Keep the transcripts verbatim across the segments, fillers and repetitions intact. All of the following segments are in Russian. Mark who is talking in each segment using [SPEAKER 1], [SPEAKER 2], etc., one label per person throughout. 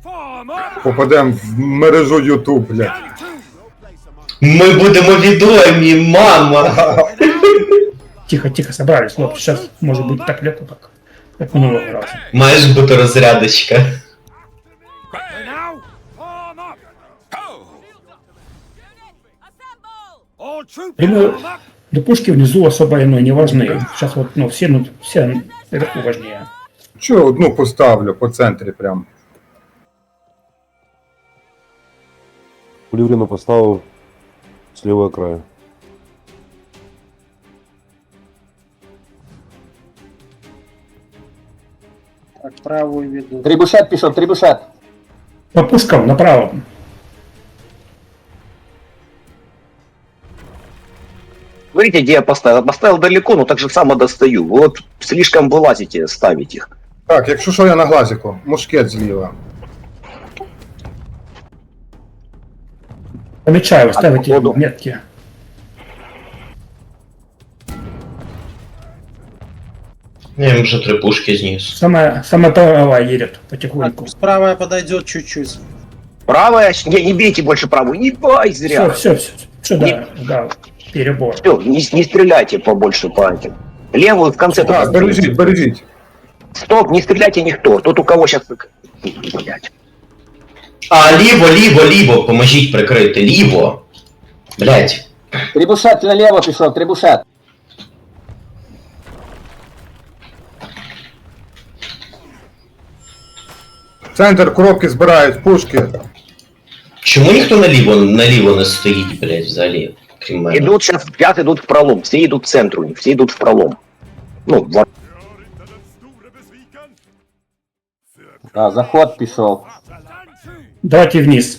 [SPEAKER 1] Попадемо в мережу Ютуб, блядь.
[SPEAKER 2] Ми будемо відомі, мама!
[SPEAKER 3] Тихо, тихо, собрались, хлопцы. Сейчас может быть так легко, как, как минулого раза.
[SPEAKER 2] Маєш бути розрядочка.
[SPEAKER 3] Прямые до пушки внизу особо ну, не важны. Сейчас вот, ну, все, ну, все наверху важнее.
[SPEAKER 1] Чого одну поставлю по центрі прям.
[SPEAKER 4] Кулівріну поставив з лівого краю.
[SPEAKER 5] Так, правую веду.
[SPEAKER 6] Трибушет пішов, трибушет.
[SPEAKER 3] По пушкам направо.
[SPEAKER 7] Смотрите, где я поставил. Поставил далеко, но так же само достаю. Вы вот слишком вылазите ставить их.
[SPEAKER 1] Так, якщо що, я на глазику. Мушкет зліва.
[SPEAKER 3] Помечаю, ставите
[SPEAKER 7] походу.
[SPEAKER 3] метки.
[SPEAKER 2] Я їм вже три пушки зніс.
[SPEAKER 3] Самая, самая правая едет потихоньку.
[SPEAKER 5] Так, справа подойдет чуть-чуть.
[SPEAKER 7] Правая, не, не бейте больше правую, не бай
[SPEAKER 3] Все,
[SPEAKER 7] зря.
[SPEAKER 3] все, все. Все, да, да, перебор.
[SPEAKER 7] Все, не, не стреляйте побольше по этим. Левую в конце.
[SPEAKER 1] Так,
[SPEAKER 7] только
[SPEAKER 1] бережіть, бережіть.
[SPEAKER 7] Стоп, не стреляйте никто. Тот, у кого сейчас... Блять.
[SPEAKER 2] А, ліво, ліво, ліво, поможіть прикрити, ліво. Блять.
[SPEAKER 6] Трибушет наліво пішов, трибушет.
[SPEAKER 1] Центр коробки збирають, пушки.
[SPEAKER 2] Чому ніхто наліво, наліво не стоїть, блять, взагалі? Крім мене.
[SPEAKER 7] Идут сейчас, пятый идут в пролом. Все идут к центру, все идут в пролом. Ну, в...
[SPEAKER 6] Так, заход пішов.
[SPEAKER 3] Давайте вниз.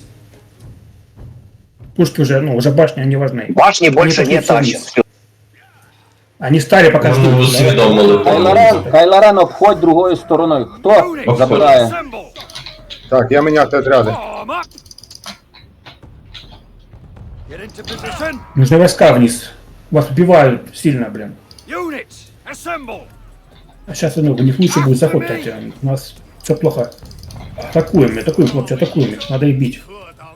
[SPEAKER 3] Пушки уже, ну, уже башни, они важны.
[SPEAKER 7] Башни больше
[SPEAKER 3] Они
[SPEAKER 7] не
[SPEAKER 3] пошли
[SPEAKER 7] тащат.
[SPEAKER 3] вниз.
[SPEAKER 7] Всё.
[SPEAKER 3] Они стали пока что.
[SPEAKER 2] Ну, усвідомили
[SPEAKER 6] Кайлорен,
[SPEAKER 2] повністю.
[SPEAKER 6] Кайлорен, обходь другою стороною. Хто забирає?
[SPEAKER 1] Так, я міняти отряди.
[SPEAKER 3] Нужны войска вниз. Вас убивают сильно, блин. А сейчас, ну, у них лучше будет заход тратить. У нас все плохо. Атакуем, атакуем, хлопцы, атакуем их. Надо их бить.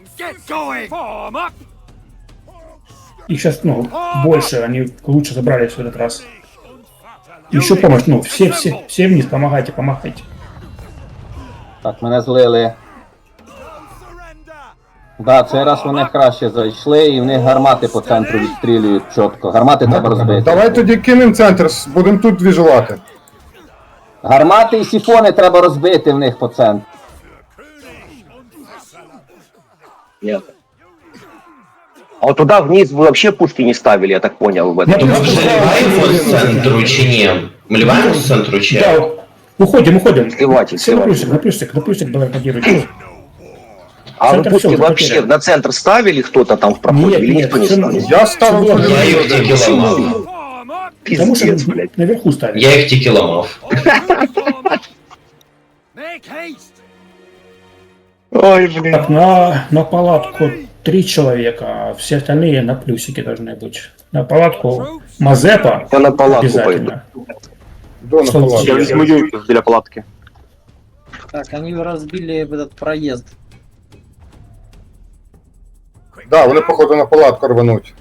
[SPEAKER 3] Их сейчас, ну, больше, они лучше забрались в этот раз. Еще помощь, ну, все, все, все вниз, помогайте, помогайте.
[SPEAKER 6] Так, мене злили. Да, цей раз вони краще зайшли і в них гармати по центру відстрілюють чітко. Гармати треба розбити.
[SPEAKER 1] Давай тоді кинемо центр, будемо тут двіжувати.
[SPEAKER 6] Гармати і сіфони треба розбити в них по центру.
[SPEAKER 7] Нет. А вот туда вниз вы вообще пушки не ставили, я так понял, в этом.
[SPEAKER 2] То ми вже ліваємо з центру чи ні? Ми ліваємо з центру чи?
[SPEAKER 3] Да, уходим, уходим.
[SPEAKER 7] Сливайте,
[SPEAKER 3] Все на
[SPEAKER 7] сливайте.
[SPEAKER 3] плюсик, на плюсик, на плюсик давай кодируй.
[SPEAKER 7] А вы
[SPEAKER 3] Центр
[SPEAKER 7] пушки
[SPEAKER 3] всё,
[SPEAKER 7] вообще
[SPEAKER 3] потерян.
[SPEAKER 7] на центр ставили кто-то там в проходе?
[SPEAKER 3] Нет,
[SPEAKER 7] Или
[SPEAKER 3] нет,
[SPEAKER 7] никто не
[SPEAKER 3] всё
[SPEAKER 7] ставил?
[SPEAKER 1] Я ставив
[SPEAKER 3] Всё,
[SPEAKER 2] Я їх
[SPEAKER 1] полюбив.
[SPEAKER 2] тільки ламав.
[SPEAKER 3] Потому что
[SPEAKER 7] Пиздец, блядь.
[SPEAKER 3] наверху ставим.
[SPEAKER 2] Я їх тільки ламав.
[SPEAKER 7] Ой, блин.
[SPEAKER 3] Так, на, на палатку три человека, а все остальные на плюсике должны быть. На палатку Мазепа
[SPEAKER 7] Я на палатку
[SPEAKER 3] обязательно.
[SPEAKER 1] До на
[SPEAKER 3] Что
[SPEAKER 1] палатку.
[SPEAKER 3] случилось?
[SPEAKER 7] юйку для палатки.
[SPEAKER 5] Так, они разбили этот проезд.
[SPEAKER 1] Да, вони походу на палатку рвануть.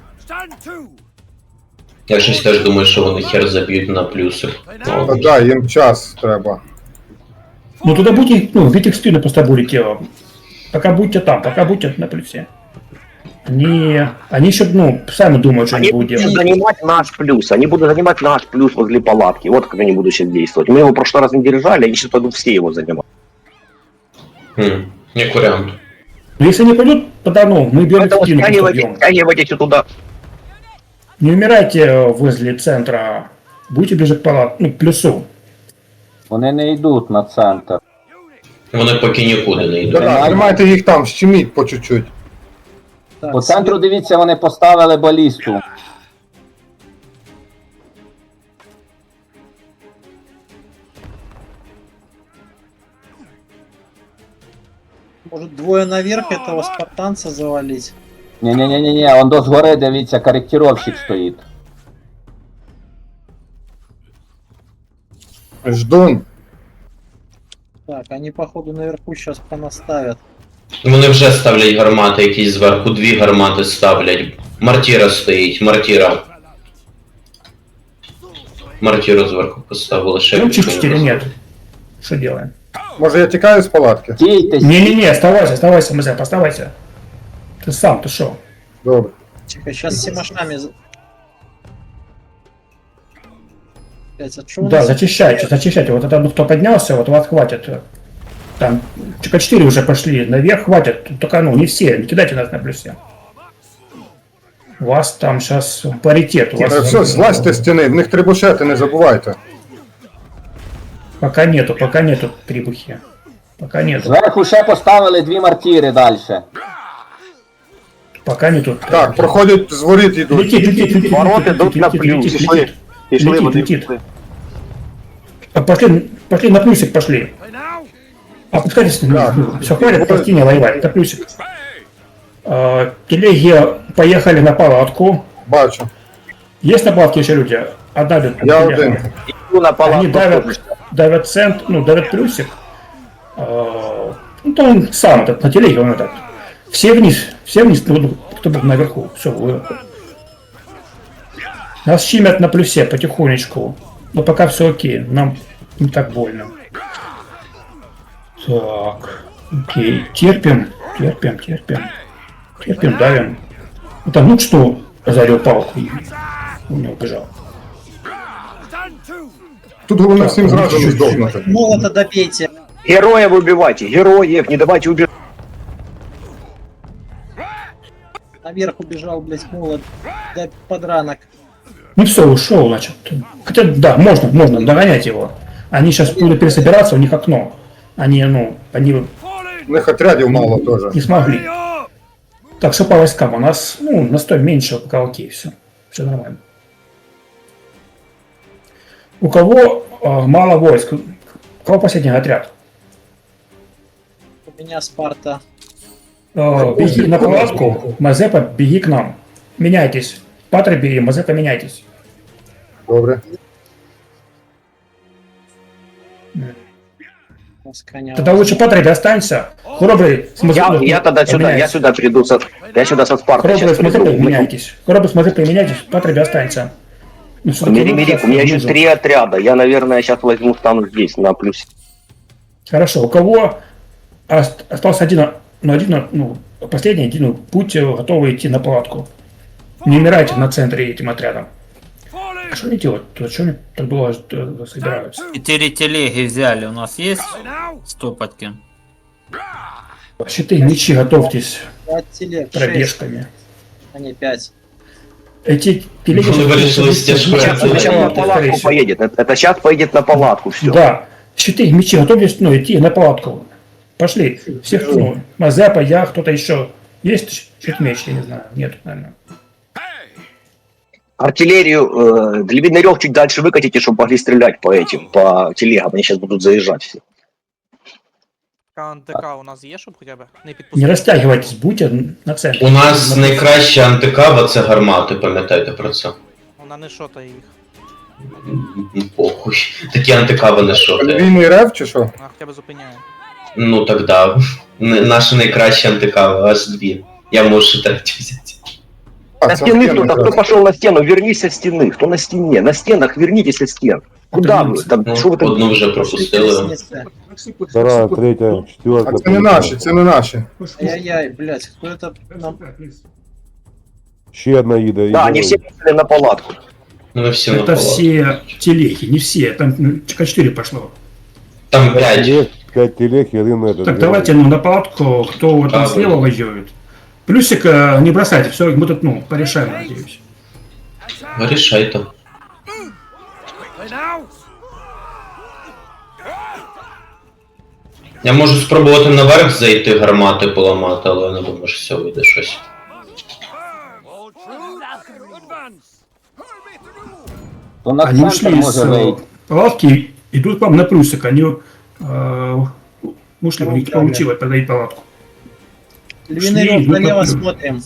[SPEAKER 2] Я щось теж думаю, що вони хер заб'ють на плюсик.
[SPEAKER 1] Та
[SPEAKER 2] Ну,
[SPEAKER 1] да, їм час треба.
[SPEAKER 3] Ну туда будете, ну, в их спину просто будете. Пока будете там, пока будете на плюсе. Они, они еще, ну, сами думают, что они,
[SPEAKER 7] Они
[SPEAKER 3] будут
[SPEAKER 7] будут
[SPEAKER 3] делать.
[SPEAKER 7] занимать наш плюс, они будут занимать наш плюс возле палатки. Вот как они будут сейчас действовать. Мы его в прошлый раз не держали, они сейчас пойдут все его занимать.
[SPEAKER 2] хм, як варіант.
[SPEAKER 3] Но если они пойдут, тогда, ну, мы берем
[SPEAKER 7] Поэтому
[SPEAKER 3] спину, просто
[SPEAKER 7] стягивайте,
[SPEAKER 3] бьем.
[SPEAKER 7] стягивайте все туда.
[SPEAKER 3] Не умирайте возле центра, будете ближе к палат, ну, к плюсу.
[SPEAKER 6] Вони не йдуть на центр.
[SPEAKER 2] Вони поки нікуди не йдуть.
[SPEAKER 1] Да, тримайте їх там, щеміть по чуть-чуть.
[SPEAKER 5] Так,
[SPEAKER 6] По центру, дивіться, вони поставили балісту.
[SPEAKER 5] может двое наверх этого спартанца завалить?
[SPEAKER 6] Ні-ні-ні-ні, он до згори, дивіться, корректировщик стоїть.
[SPEAKER 1] Ждун.
[SPEAKER 5] Так, они походу наверху сейчас понаставят.
[SPEAKER 2] Вони вже ставлять гармати якісь зверху, дві гармати ставлять. Мартіра стоїть, мартіра. Мартіру зверху поставили, ще
[SPEAKER 3] Ну, чуть
[SPEAKER 2] більше
[SPEAKER 3] или
[SPEAKER 2] не
[SPEAKER 3] нет? Что делаем?
[SPEAKER 1] Може я тікаю з палатки?
[SPEAKER 6] Стійте,
[SPEAKER 3] Не-не-не, оставайся, оставайся, Мазеп, оставайся. Ты сам, ты шо?
[SPEAKER 1] Добре.
[SPEAKER 5] Тихо, сейчас с семашами... за- Блядь, а чё у
[SPEAKER 3] Да,
[SPEAKER 5] нас-
[SPEAKER 3] зачищайте, зачищайте. Вот это ну, кто поднялся, вот вас хватит. Там четыре уже пошли наверх, хватит. Только ну не все, не кидайте нас на плюсе. У вас там сейчас паритет. У вас...
[SPEAKER 1] Е, Все, злазьте з стіни, в них трибушети, не забувайте.
[SPEAKER 3] Пока нету, пока нету трибухи. Пока нету.
[SPEAKER 6] зверху ще поставили дві мартіри далі.
[SPEAKER 3] Пока нету.
[SPEAKER 1] Так, проходять з воріт йдуть.
[SPEAKER 3] Летит, летит, летит.
[SPEAKER 7] Ворота
[SPEAKER 3] летит,
[SPEAKER 7] идут
[SPEAKER 3] летит,
[SPEAKER 7] на
[SPEAKER 3] летит,
[SPEAKER 7] плюс.
[SPEAKER 3] летит,
[SPEAKER 7] Пішли,
[SPEAKER 3] летит.
[SPEAKER 7] пішли,
[SPEAKER 3] Летит,
[SPEAKER 7] вони
[SPEAKER 3] летит.
[SPEAKER 7] пішли.
[SPEAKER 3] А, Пошли, пошли на плюсик, пошли. Опускайтесь,
[SPEAKER 1] Да.
[SPEAKER 3] все, хватит по стене воевать, это плюсик. А, телеги поехали на палатку.
[SPEAKER 1] Бачу.
[SPEAKER 3] Есть на палатке еще люди? Одна идет.
[SPEAKER 1] Я
[SPEAKER 3] телега.
[SPEAKER 1] один.
[SPEAKER 7] Иду на
[SPEAKER 3] Они
[SPEAKER 7] палатку.
[SPEAKER 3] давят, давят цент, ну, давят плюсик. А, ну, то он сам этот, на телеге он этот. Все вниз, все вниз, ну, кто был наверху. Все, вы... Нас щемят на плюсе потихонечку. Но пока все окей, нам не так больно. Так, окей, терпим, терпим, терпим. Терпим, давим. Ну, там, ну что, озарил палку и он не убежал.
[SPEAKER 1] Тут головне всім зразу не здохнути.
[SPEAKER 5] Молота добейте.
[SPEAKER 7] Героев убивайте, героев, не давайте убивать.
[SPEAKER 5] Наверх убежал, блядь, молот. Да подранок.
[SPEAKER 3] Ну все, ушел, значит. Хотя, да, можно, можно догонять его. Они сейчас будут пересобираться, у них окно. Они, ну, они
[SPEAKER 1] У них отрядів мало теж.
[SPEAKER 3] не смогли. Так, что по войскам? У нас, ну, настой меньше, пока окей, все. Все нормально. У кого э, мало войск? У кого последний отряд?
[SPEAKER 5] У меня Спарта.
[SPEAKER 3] Э, беги на палатку, Мазепа, беги к нам. Меняйтесь. Патра бери, Мазепа, меняйтесь.
[SPEAKER 1] Добре.
[SPEAKER 5] с коня.
[SPEAKER 3] Тогда лучше Патра останься. Храбрый с
[SPEAKER 7] Я,
[SPEAKER 3] Мазепой
[SPEAKER 7] я тогда сюда, я
[SPEAKER 3] поменяйся.
[SPEAKER 7] сюда приду, со, я сюда со Спартой
[SPEAKER 3] Храбрый
[SPEAKER 7] сейчас
[SPEAKER 3] с Мазепой
[SPEAKER 7] приду.
[SPEAKER 3] меняйтесь. Храбрый с Мазепой меняйтесь, Патра останься. Ну, всё-таки
[SPEAKER 7] Мери, мери, у меня еще
[SPEAKER 3] нужен.
[SPEAKER 7] три отряда. Я, наверное, сейчас возьму, стану здесь, на плюсе.
[SPEAKER 3] Хорошо, у кого ост- остался один, ну, один, ну, последний один, ну, будьте готовы идти на палатку. Не умирайте на центре этим отрядом. А что они делают? То что они так было э, собираются?
[SPEAKER 8] Четыре телеги взяли. У нас есть стопотки?
[SPEAKER 3] Щиты, мечи, готовьтесь
[SPEAKER 5] Пять телег, шесть,
[SPEAKER 3] пробежками.
[SPEAKER 5] а не пять.
[SPEAKER 3] Эти телеги...
[SPEAKER 2] Ну, вы решили стяжку.
[SPEAKER 7] Сейчас,
[SPEAKER 2] это
[SPEAKER 7] сейчас на
[SPEAKER 3] скорее
[SPEAKER 7] палатку
[SPEAKER 3] всего.
[SPEAKER 7] поедет. Это, это сейчас поедет на палатку, все.
[SPEAKER 3] Да. Щиты, мечи, готовьтесь, ну, идти на палатку. Пошли. Всех, ну, Мазепа, я, кто-то еще. Есть щит меч, я не знаю. Нет, наверное.
[SPEAKER 7] Артиллерию э, Длиннярев чуть дальше выкатите, чтобы могли стрелять по этим, по телегам. Они сейчас будут заезжать все.
[SPEAKER 9] КНТК у нас є, щоб хоча б не
[SPEAKER 3] Не
[SPEAKER 9] підпустити?
[SPEAKER 3] растягивайтесь, будьте на центре.
[SPEAKER 2] У нас найкраща антикава це гармати, пам'ятайте про це.
[SPEAKER 9] Вона не шотає їх.
[SPEAKER 2] М, Похуй. Такі антикави не шоти.
[SPEAKER 1] Війний рев чи що?
[SPEAKER 9] Вона хоча б зупиняє.
[SPEAKER 2] Ну так да. Н- Наша найкраща антикава, аж дві. Я можу ще третю взяти.
[SPEAKER 1] А,
[SPEAKER 7] На
[SPEAKER 1] це
[SPEAKER 7] стены
[SPEAKER 1] стіни
[SPEAKER 7] кто-то, кто
[SPEAKER 1] якраз.
[SPEAKER 7] пошел на стену, вернись со стены. Кто на стене? На стенах вернитесь со стен. Куда вы? Там,
[SPEAKER 2] Ну,
[SPEAKER 7] что вы там?
[SPEAKER 2] одну вже пропустили.
[SPEAKER 5] Лестница.
[SPEAKER 4] Вторая, третья,
[SPEAKER 1] А
[SPEAKER 4] четвертая.
[SPEAKER 1] це не наші, це не наші.
[SPEAKER 5] Ай-яй-яй, блядь, кто это нам...
[SPEAKER 4] Еще одна еда.
[SPEAKER 7] Да, они все пошли на палатку.
[SPEAKER 2] Ну ви всі на
[SPEAKER 3] Это
[SPEAKER 2] палатку.
[SPEAKER 3] все телеги, не все. Там ну, четыре пошло.
[SPEAKER 2] Там
[SPEAKER 4] Пять
[SPEAKER 2] п'ять.
[SPEAKER 4] телег, пять телег и один этот.
[SPEAKER 3] Так,
[SPEAKER 4] белый.
[SPEAKER 3] давайте ну, на палатку, кто вот там
[SPEAKER 2] А,
[SPEAKER 3] слева
[SPEAKER 2] вы-
[SPEAKER 3] воюет. Плюсик э, не бросайте, все, мы тут, ну, порешаем, надеюсь.
[SPEAKER 2] Вирішайте. Я можу спробувати наверх зайти, гармати поламати, але я не думаю, що все вийде щось.
[SPEAKER 6] То на
[SPEAKER 3] Они
[SPEAKER 6] центр
[SPEAKER 3] ушли из
[SPEAKER 6] може
[SPEAKER 3] э,
[SPEAKER 6] вийти.
[SPEAKER 3] палатки, идут к вам на плюсик, они э, ушли, у них не получилось продать палатку.
[SPEAKER 5] Львиный
[SPEAKER 3] Шли,
[SPEAKER 5] рог, налево
[SPEAKER 3] ну,
[SPEAKER 5] смотрим.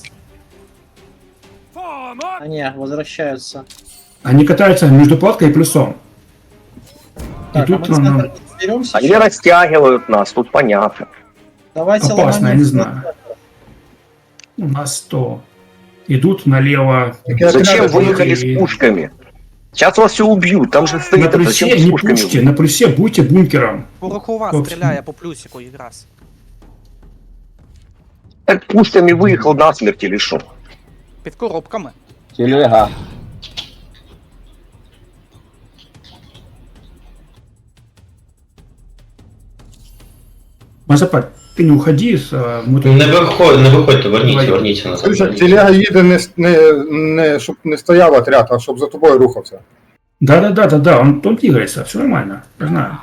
[SPEAKER 5] А не, возвращаются.
[SPEAKER 3] Они катаются между палаткой и плюсом.
[SPEAKER 5] Так,
[SPEAKER 3] Идут
[SPEAKER 5] а мы
[SPEAKER 3] на-
[SPEAKER 5] центр, Беремся.
[SPEAKER 7] Они растягивают нас, тут понятно.
[SPEAKER 5] Давайте
[SPEAKER 3] Опасно, я
[SPEAKER 5] ломанем.
[SPEAKER 3] не знаю. У нас сто. Идут налево.
[SPEAKER 1] Такі
[SPEAKER 7] Зачем
[SPEAKER 1] отряди,
[SPEAKER 7] выехали
[SPEAKER 3] и-
[SPEAKER 7] с пушками? Сейчас вас все убьют, там же
[SPEAKER 3] На
[SPEAKER 7] стоит это,
[SPEAKER 3] плюсе
[SPEAKER 7] зачем с
[SPEAKER 3] не
[SPEAKER 7] пушками?
[SPEAKER 3] пушьте, на плюсе будьте бункером.
[SPEAKER 9] Порохова
[SPEAKER 3] Собственно.
[SPEAKER 9] стріляє по плюсику якраз.
[SPEAKER 7] Так пушками выехал насмерть или что?
[SPEAKER 9] Під коробками.
[SPEAKER 6] Телега.
[SPEAKER 3] Мазапа, ты не уходи, с, а, мы тут-
[SPEAKER 2] Не виходь, не виходьте, верніться,
[SPEAKER 3] Давай.
[SPEAKER 2] верніться назад.
[SPEAKER 1] Слушай,
[SPEAKER 2] верніться.
[SPEAKER 1] телега їде не, с- не, не, щоб не стояв отряд, а щоб за тобою рухався.
[SPEAKER 3] Да, да, да, да, да, он, он двигается, все нормально, я знаю.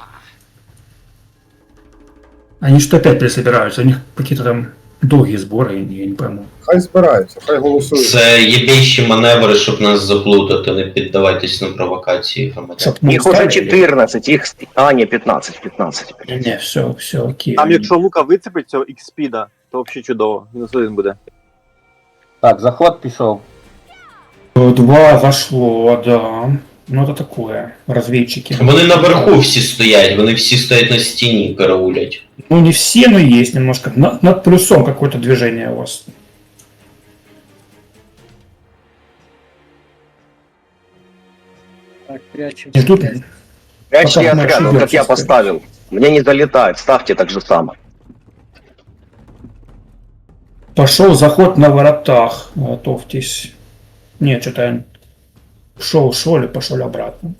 [SPEAKER 3] Они что опять пересобираются, у них какие-то там долгие сборы, я не пойму.
[SPEAKER 1] Хай збираються, хай голосують.
[SPEAKER 2] Це єбейші маневри, щоб нас заплутати, не піддавайтесь на провокації громадян.
[SPEAKER 3] Чтоб мы
[SPEAKER 7] Их уже
[SPEAKER 3] устали.
[SPEAKER 7] четырнадцать, их... А, не, пятнадцать, пятнадцать.
[SPEAKER 3] Не, не, все, все, окей.
[SPEAKER 10] Там, якщо лука вицепить цього ікспіда, то взагалі чудово. Мінус один буде.
[SPEAKER 6] Так, заход пішов.
[SPEAKER 3] Два вошло, да. Ну это такое, разведчики.
[SPEAKER 2] Вони наверху всі стоять, вони всі стоять на стіні, караулять.
[SPEAKER 3] Ну не все, но есть немножко. На- над плюсом какое-то движение у вас.
[SPEAKER 5] Так, прячемся.
[SPEAKER 3] Не ждут?
[SPEAKER 7] Прячьте
[SPEAKER 3] Пока мы
[SPEAKER 7] отряд, вот как
[SPEAKER 3] ошибемся,
[SPEAKER 7] я
[SPEAKER 3] скажем.
[SPEAKER 7] поставил. Мне не залетает, ставьте так же само.
[SPEAKER 3] Пошел заход на воротах. Готовьтесь. Нет, что-то я шел, шел или пошел обратно.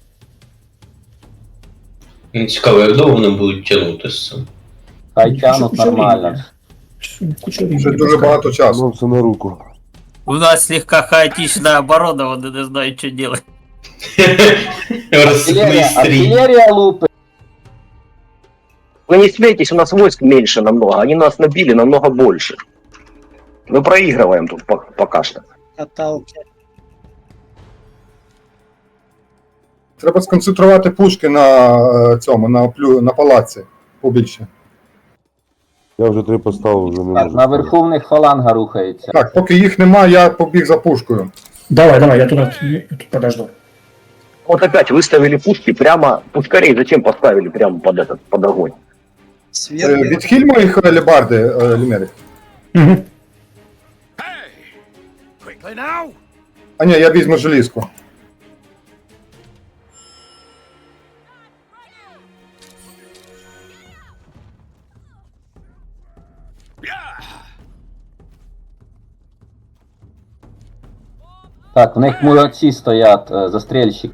[SPEAKER 2] Мені цікаво, як довго вони будуть тягнути з цим.
[SPEAKER 6] Хай тянуть нормально.
[SPEAKER 3] Куча
[SPEAKER 1] Вже
[SPEAKER 3] времени
[SPEAKER 1] дуже
[SPEAKER 3] пускай.
[SPEAKER 1] багато часу.
[SPEAKER 4] Ну, це на руку.
[SPEAKER 8] У нас слегка хаотичная оборона, он не знает, что делать.
[SPEAKER 2] Розсипний
[SPEAKER 6] Артиллерия,
[SPEAKER 2] стрій.
[SPEAKER 6] артиллерия лупы.
[SPEAKER 7] Вы не смейтесь, у нас войск меньше намного, они нас набили намного больше. Мы проигрываем тут по- пока что.
[SPEAKER 5] Каталки.
[SPEAKER 1] Треба сконцентрувати пушки на е, цьому, на, плю, на палаці побільше.
[SPEAKER 4] Я вже три поставив, вже не
[SPEAKER 6] Так,
[SPEAKER 4] можу.
[SPEAKER 6] наверху в них фаланга рухається.
[SPEAKER 1] Так, поки їх нема, я побіг за пушкою.
[SPEAKER 3] Давай, давай, я туда я тут подожду.
[SPEAKER 7] Вот опять выставили пушки прямо, пускарей зачем поставили прямо под этот, под огонь?
[SPEAKER 1] Е,
[SPEAKER 5] Сверху.
[SPEAKER 1] Відхиль моїх е, лебарди, е, Лімерик.
[SPEAKER 3] Угу.
[SPEAKER 1] А ні, я візьму желізку.
[SPEAKER 6] Так, в них мурці стоять, е, застрельщик.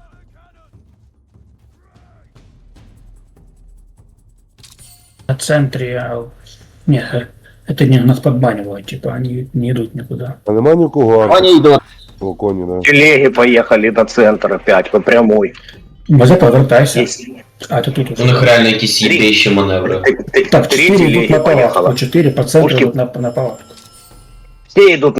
[SPEAKER 3] На центре... а, Нет, э, это не нас подбанивают, типа они не идут никуда.
[SPEAKER 4] А нема нікого?
[SPEAKER 6] Вони йдуть.
[SPEAKER 4] О, коні, да.
[SPEAKER 7] Телеги поехали на центр опять, по прямой.
[SPEAKER 3] Мазепа, возвращайся.
[SPEAKER 7] Есть.
[SPEAKER 3] А, ты тут
[SPEAKER 2] У
[SPEAKER 3] уже.
[SPEAKER 2] них реально якісь єбейші маневри.
[SPEAKER 7] Т- т-
[SPEAKER 3] Так,
[SPEAKER 7] Три
[SPEAKER 3] четыре идут
[SPEAKER 7] телеги
[SPEAKER 3] на палатку,
[SPEAKER 7] поехало.
[SPEAKER 3] четыре по центру
[SPEAKER 7] Пушки.
[SPEAKER 3] идут на, на палатку.
[SPEAKER 7] Все идут